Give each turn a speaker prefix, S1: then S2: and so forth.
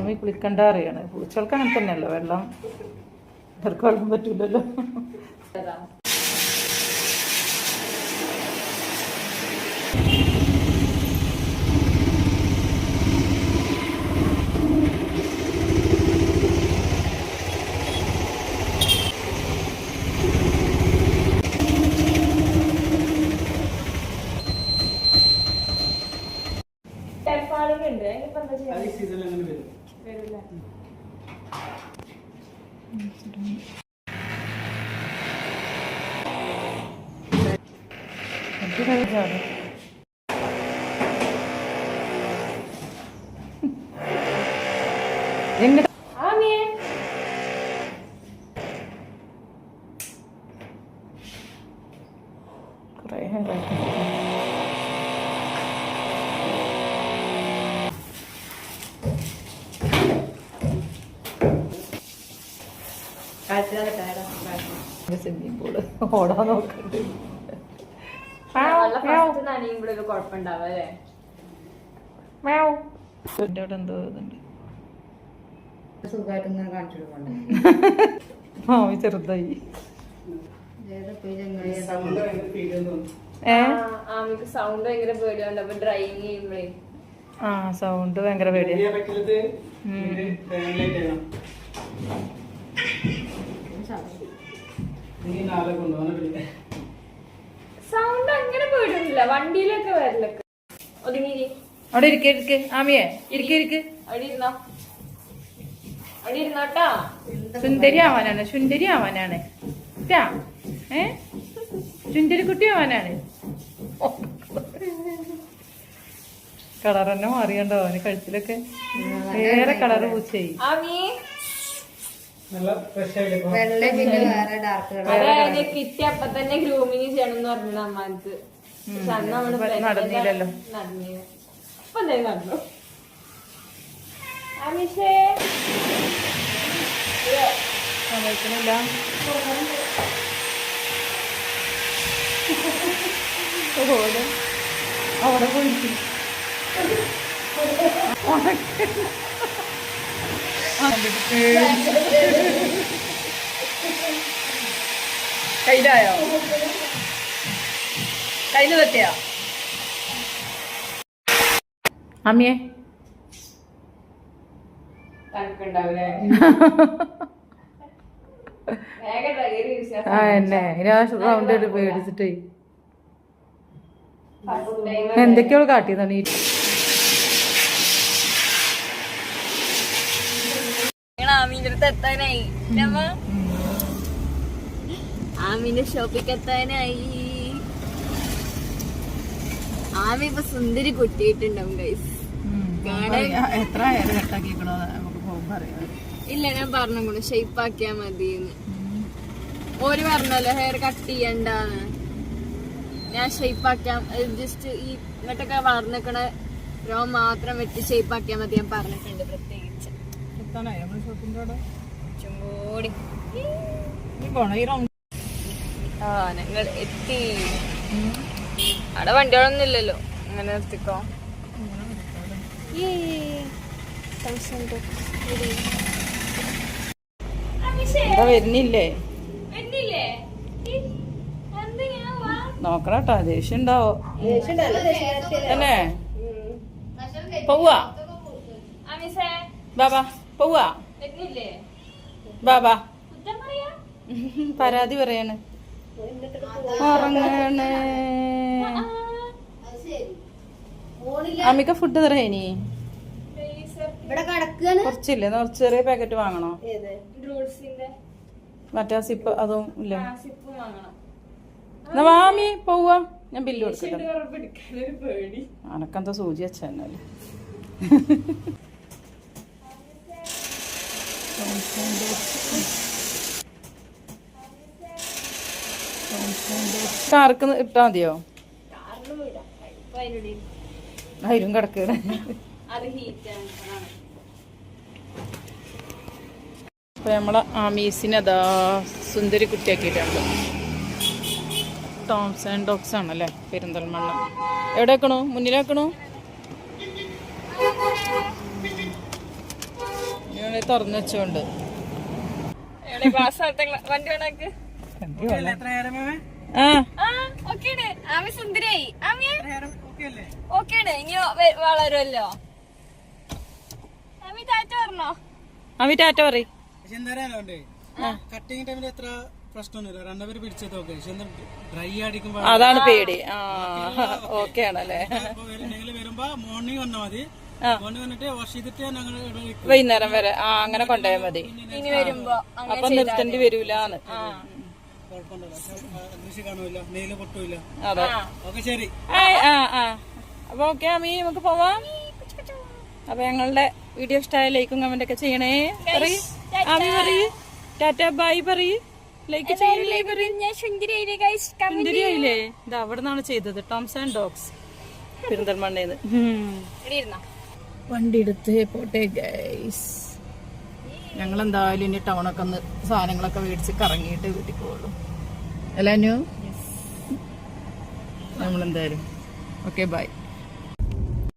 S1: ആമി കുളിക്കണ്ട അറിയാണ്. പൂച്ചകൾക്ക് അങ്ങനെ തന്നെയല്ലോ, വെള്ളം ഇവർക്ക് വെള്ളം പറ്റൂലല്ലോ. സ്വിമ്മിംഗ് പൂള് ഓടാൻ നോക്കണ്ട്. എന്തോ ഇതുണ്ട്. മാമി ചെറുതായി. സൗണ്ട് ഭയങ്കര പേടിയാ.
S2: സൗണ്ട് അങ്ങനെ പോയിട്ടില്ല, വണ്ടിയിലൊക്കെ വരലൊക്കെ.
S1: അവിടെ ഇരിക്കെ ആമിയെ, ഇരിക്കെ
S2: അവിടെ ഇരുന്നോട്ടാ.
S1: സുന്ദരി ആവാനാണ്, സുന്ദരി ആവാനാണ്, സുന്ദരി കുട്ടി ആവാനാണ്. കളർ തന്നെ മാറിയണ്ടോ അവന്, കഴുത്തിലൊക്കെ വേറെ കളറ് പൂച്ചായി.
S2: അതായത് കിട്ടി അപ്പൊ തന്നെ ഗ്രൂമിങ് ചെയ്യണം എന്ന് പറഞ്ഞു അമ്മാനക്ക്. പക്ഷെ അന്ന് നമ്മള്
S1: നടന്നില്ലല്ലോ.
S2: നടന്നില്ല. അപ്പൊ എന്തായാലും നടന്നു. അമിഷേ
S1: സമ്മതിക്കണില്ല. അവിടെ പോയിട്ട് കയ്യിലായോ? കയ്യില് തട്ടിയാ അമ്മിയെ? എന്നെ റൗണ്ട് ആയിട്ട് പേടിച്ചിട്ടേ എന്തൊക്കെയോ കാട്ടിയതാണ് ഈ
S2: ആമീന്റെ അടുത്ത് എത്താനായി. ആമീന്റെ ഷോപ്പിക്ക് എത്താനായി. ആമി ഇപ്പൊ സുന്ദരി കുട്ടിയിട്ടുണ്ടാവും ഗൈസ്.
S1: എത്ര ഹെയർ കട്ടാക്കിക്കണോ നമുക്ക് പോകുമ്പോ അറിയാം.
S2: ഇല്ല, ഞാൻ പറഞ്ഞു ഷേപ്പ് ആക്കിയാ മതിന്ന്. ഓര് പറഞ്ഞല്ലോ ഹെയർ കട്ട് ചെയ്യണ്ടാന്ന്. ഞാൻ ഷേപ്പ് ആക്കാം, ജസ്റ്റ് ഈ ഇങ്ങോട്ടൊക്കെ വളർന്നിക്കണ രോ മാത്രം വെട്ടി ഷേപ്പ് ആക്കിയാ മതി ഞാൻ പറഞ്ഞിട്ടുണ്ട്. പ്രത്യേകിച്ച് ചുങ്കോടി ഞങ്ങൾ എത്തി. അവിടെ വണ്ടികളൊന്നും ഇല്ലല്ലോ, അങ്ങനെ നിർത്തിക്കോ.
S1: വരുന്നില്ലേ? നോക്കണട്ടോ, ദേഷ്യം ഉണ്ടാവോ അല്ലേ? പോവാ ബാബാ, പോവാ ബാബാ. പരാതി പറയാണ്, ഉറങ്ങണേ. അമ്മിക്ക ഫുഡ് തറേനി കുറച്ചില്ലേ? കുറച്ച് ചെറിയ പാക്കറ്റ് വാങ്ങണോ? മറ്റേ സിപ്പ് അതും ഇല്ല. എന്നാ വാമി പോവാ, ഞാൻ ബില്ല് കൊടുക്കട്ടെ. അനക്കെന്താ സൂചി വെച്ചാല് കാർക്ക് ഇട്ടാ മതിയോ? അതിലും കിടക്കണ. അപ്പൊ നമ്മളെ ആമീസിനെ അതാ സുന്ദരി കുട്ടിയാക്കിയിട്ടുണ്ട്. ടോംസ് ആൻഡ് ഡോഗ്സ് ആണല്ലേ, പെരിന്തൽമണ്ണ. എവിടെ വെക്കണു? മുന്നിലാക്കണു? തുറന്നു വെച്ചോണ്ട്
S2: വണ്ടി വേണക്ക് ആമി സുന്ദരായി ആമിയെ ഓക്കേണ് ഇനി വളരുമല്ലോ. ആമി ടാറ്റ പറഞ്ഞോ?
S1: ആമി ടാറ്റ പറ.
S3: കട്ടിങ് ടൈമിൽ എത്ര പ്രശ്നമൊന്നുമില്ല, രണ്ടുപേര് പിടിച്ചത് ഓക്കെ. പക്ഷെ ഡ്രൈ അടിക്കുമ്പോ
S1: അതാണ് പേടി. ഓക്കെ ആണല്ലേ.
S3: നിങ്ങൾ വരുമ്പോ മോർണിംഗ് വന്നാൽ മതി. മോർണിംഗ് വന്നിട്ട് വാഷ് ചെയ്തിട്ട് ഞങ്ങൾ
S1: വൈകുന്നേരം വരെ അങ്ങനെ കൊണ്ടുപോയാൽ മതി.
S2: ഇനി വരുമ്പോ
S1: അപ്പൊ നിർത്തേണ്ടി വരൂലെന്ന്.
S3: കൃഷി കാണൂല, നെയില് പൊട്ടൂല.
S1: അതെ.
S3: ഓക്കെ ശരി.
S1: അപ്പൊ ഓക്കെ ആമി നമുക്ക് പോവാം. അപ്പൊ ഞങ്ങളുടെ വീഡിയോ ഇഷ്ടമായ ലൈക്കും കമന്റ് ഒക്കെ ചെയ്യണേ. പറയ് ആമി, പറയ് ടാറ്റ ബൈ, പറയ് ലൈക്ക് ചെയ്യല്ലേ. സുന്ദരിയായില്ലേ? ഇത് അവിടെ നിന്നാണ് ചെയ്തത്, ടോംസ് ആൻഡ് ഡോഗ്സ് പെരിന്തൽമണ്ണേന്ന്. വണ്ടി എടുത്ത് പോട്ടെ ഗൈസ്. ഞങ്ങൾ എന്തായാലും ഇനി ടൗണൊക്കെ ഒന്ന് സാധനങ്ങളൊക്കെ മേടിച്ച് കറങ്ങിയിട്ട് വീട്ടിൽ പോകുള്ളൂ. അല്ല നമ്മളെന്തായാലും ഓക്കെ ബൈ.